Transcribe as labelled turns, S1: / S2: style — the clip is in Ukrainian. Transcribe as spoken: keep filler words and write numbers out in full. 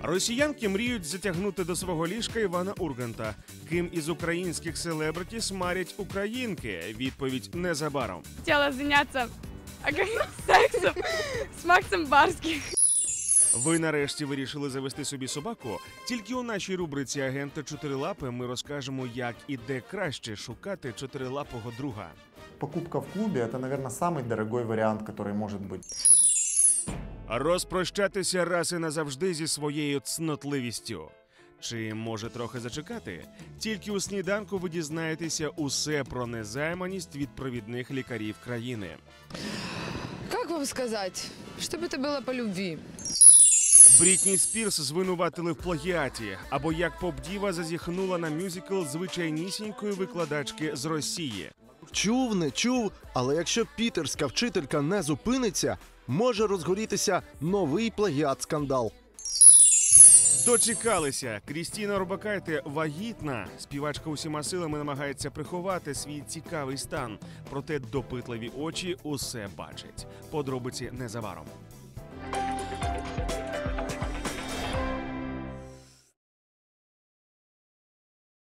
S1: Росіянки мріють затягнути до свого ліжка Івана Урганта. Ким із українських селебриті смарять українки? Відповідь незабаром.
S2: Хотіла зайнятися сексом з Максом Барським.
S1: Ви нарешті вирішили завести собі собаку? Тільки у нашій рубриці «Агента Чотирилапи» ми розкажемо, як і де краще шукати чотирилапого друга.
S3: Покупка в клубе – это, наверное, самый дорогой вариант, который может быть.
S1: Розпрощатися раз і назавжди зі своєю цнотливістю. Чи може трохи зачекати? Тільки у сніданку ви дізнаєтеся усе про незайманість від провідних лікарів країни.
S4: Как вам сказать? Чтобы это было по любви.
S1: Брітні Спірс звинуватили в плагіаті, або як поп-діва зазіхнула на мюзикл звичайнісінької викладачки з Росії.
S5: Чув, не чув, але якщо пітерська вчителька не зупиниться, може розгорітися новий плагіат-скандал.
S1: Дочекалися. Крістіна Орбакайте вагітна. Співачка усіма силами намагається приховати свій цікавий стан. Проте допитливі очі усе бачать. Подробиці незабаром.